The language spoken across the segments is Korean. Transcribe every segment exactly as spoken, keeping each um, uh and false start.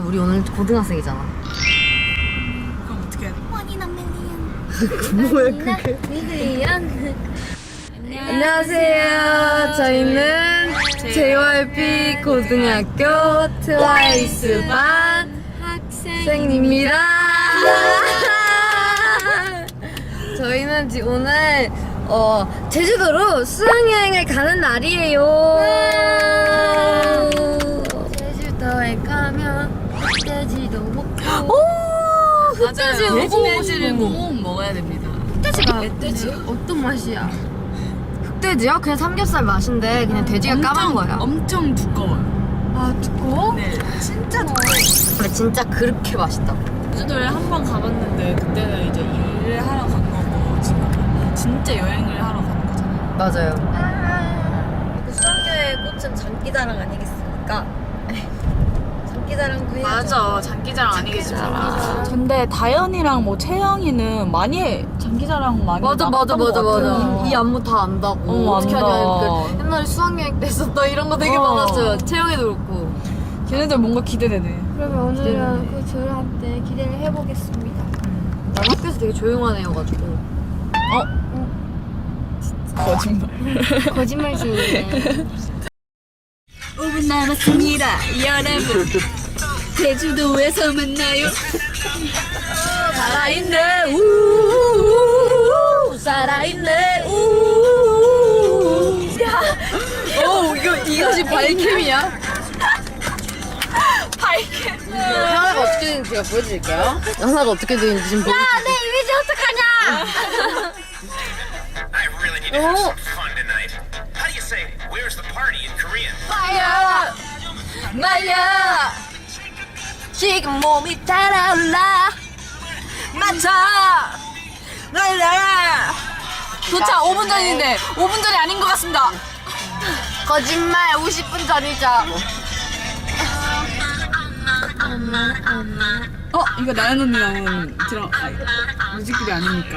우리 오늘 고등학생이잖아. 그럼 어떻게 해야 돼? 뭐야 그게? 미드리안. 안녕하세요. 저희는 제이와이피 고등학교 트와이스 반 학생입니다. 저희는 지 오늘 어, 제주도로 수학여행을 가는 날이에요. 제주도에 가면 흑돼지도 먹고. 오, 흑돼지 맞아요. 먹고 흑돼지를 꼭 먹어야 됩니다. 흑돼지가 흑돼지 어떤 맛이야? 흑돼지요? 그냥 삼겹살 맛인데 그냥 돼지가 까만 거야. 엄청 두꺼워요. 아 두꺼워? 네, 진짜 두꺼워요. 근데 진짜 그렇게 맛있다. 제주도에 한 번 가봤는데 그때는 이제 일을 하러 간 거고 지금 진짜 여행을 하러 가는 거잖아요. 맞아요. 수학여의 꽃은 장기자랑 아니겠습니까? 장기자랑도 해야죠. 맞아, 장기자랑 아니겠습니까? 근데 다현이랑 뭐 채영이는 많이 장기자랑 많이 맞아 맞아 나갔던 것 맞아 맞아. 같아요. 이 안무 다 안다고. 어, 어떻게 안다. 하냐. 그 옛날에 수학여행 때 했었다 이런 거 되게 어. 많았어요. 채영이도 그렇고. 걔네들 뭔가 기대되네. 그러면 오늘은 그 둘한 테 기대를 해보겠습니다. 난 학교에서 되게 조용한 애여가지고. 거짓말. 거짓말쟁이네. 오 분 남았습니다, 여러분. 제주도에서 만나요. 살아있네 우 살아있네 우. 오 이거 이것이 바이캠이야? 바이캠. 하나가 어떻게 되는지 제가 보여드릴게요. 하나가 어떻게 되는지 지금 보여드릴게요. 내 이미지 어떡하냐? I really need to have some fun tonight. How do you say, where's the party in Korean? 말야 말야 지금 몸이 달아올라 맞춰 날라. 도착 오 분 전인데 오 분 전이 아닌 것 같습니다. 거짓말 오십 분 전이죠. 어? 이거 나연 언니 나온 드라 아, 뮤직비디오 아닙니까?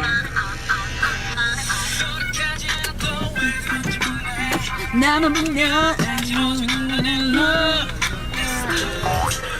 나만 보면